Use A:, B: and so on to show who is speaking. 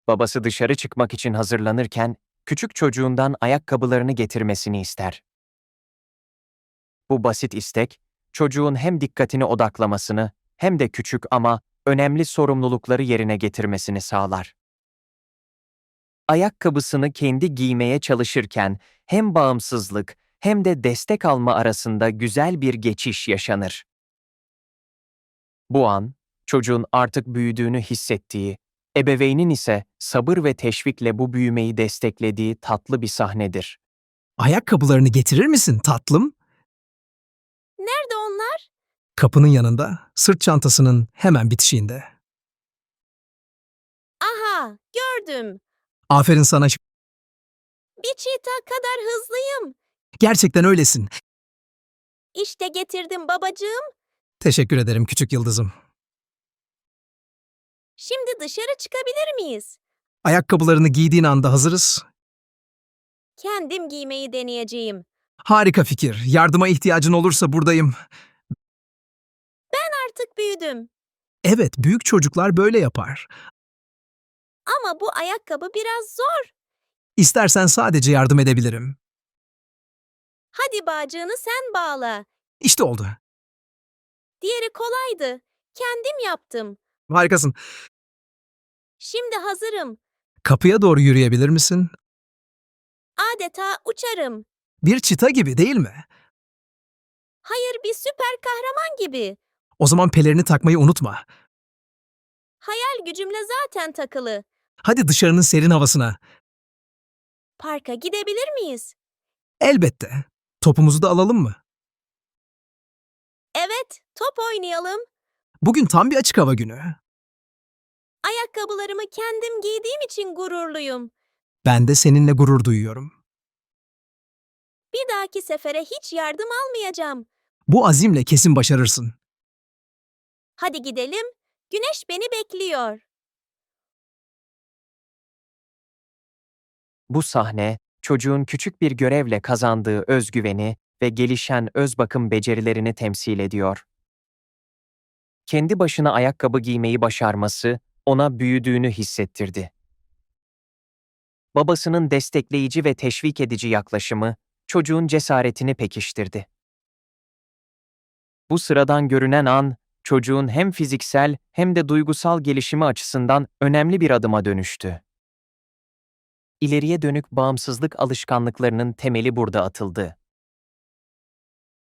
A: Babası dışarı çıkmak için hazırlanırken küçük çocuğundan ayakkabılarını getirmesini ister. Bu basit istek, çocuğun hem dikkatini odaklamasını hem de küçük ama önemli sorumlulukları yerine getirmesini sağlar. Ayakkabısını kendi giymeye çalışırken hem bağımsızlık hem de destek alma arasında güzel bir geçiş yaşanır. Bu an, çocuğun artık büyüdüğünü hissettiği, ebeveynin ise sabır ve teşvikle bu büyümeyi desteklediği tatlı bir sahnedir.
B: Ayakkabılarını getirir misin tatlım?
C: Nerede onlar?
B: Kapının yanında, sırt çantasının hemen bitişiğinde.
C: Aha, gördüm.
B: Aferin sana.
C: Bir çita kadar hızlıyım.
B: Gerçekten öylesin.
C: İşte getirdim babacığım.
B: Teşekkür ederim küçük yıldızım.
C: Şimdi dışarı çıkabilir miyiz?
B: Ayakkabılarını giydiğin anda hazırız.
C: Kendim giymeyi deneyeceğim.
B: Harika fikir. Yardıma ihtiyacın olursa buradayım.
C: Artık büyüdüm.
B: Evet, büyük çocuklar böyle yapar.
C: Ama bu ayakkabı biraz zor.
B: İstersen sadece yardım edebilirim.
C: Hadi bağcığını sen bağla.
B: İşte oldu.
C: Diğeri kolaydı. Kendim yaptım.
B: Harikasın.
C: Şimdi hazırım.
B: Kapıya doğru yürüyebilir misin?
C: Adeta uçarım.
B: Bir çita gibi değil mi?
C: Hayır, bir süper kahraman gibi.
B: O zaman pelerini takmayı unutma.
C: Hayal gücümle zaten takılı.
B: Hadi dışarının serin havasına.
C: Parka gidebilir miyiz?
B: Elbette. Topumuzu da alalım mı?
C: Evet, top oynayalım.
B: Bugün tam bir açık hava günü.
C: Ayakkabılarımı kendim giydiğim için gururluyum.
B: Ben de seninle gurur duyuyorum.
C: Bir dahaki sefere hiç yardım almayacağım.
B: Bu azimle kesin başarırsın.
C: Hadi gidelim. Güneş beni bekliyor.
A: Bu sahne, çocuğun küçük bir görevle kazandığı özgüveni ve gelişen öz bakım becerilerini temsil ediyor. Kendi başına ayakkabı giymeyi başarması ona büyüdüğünü hissettirdi. Babasının destekleyici ve teşvik edici yaklaşımı çocuğun cesaretini pekiştirdi. Bu sıradan görünen an, çocuğun hem fiziksel hem de duygusal gelişimi açısından önemli bir adıma dönüştü. İleriye dönük bağımsızlık alışkanlıklarının temeli burada atıldı.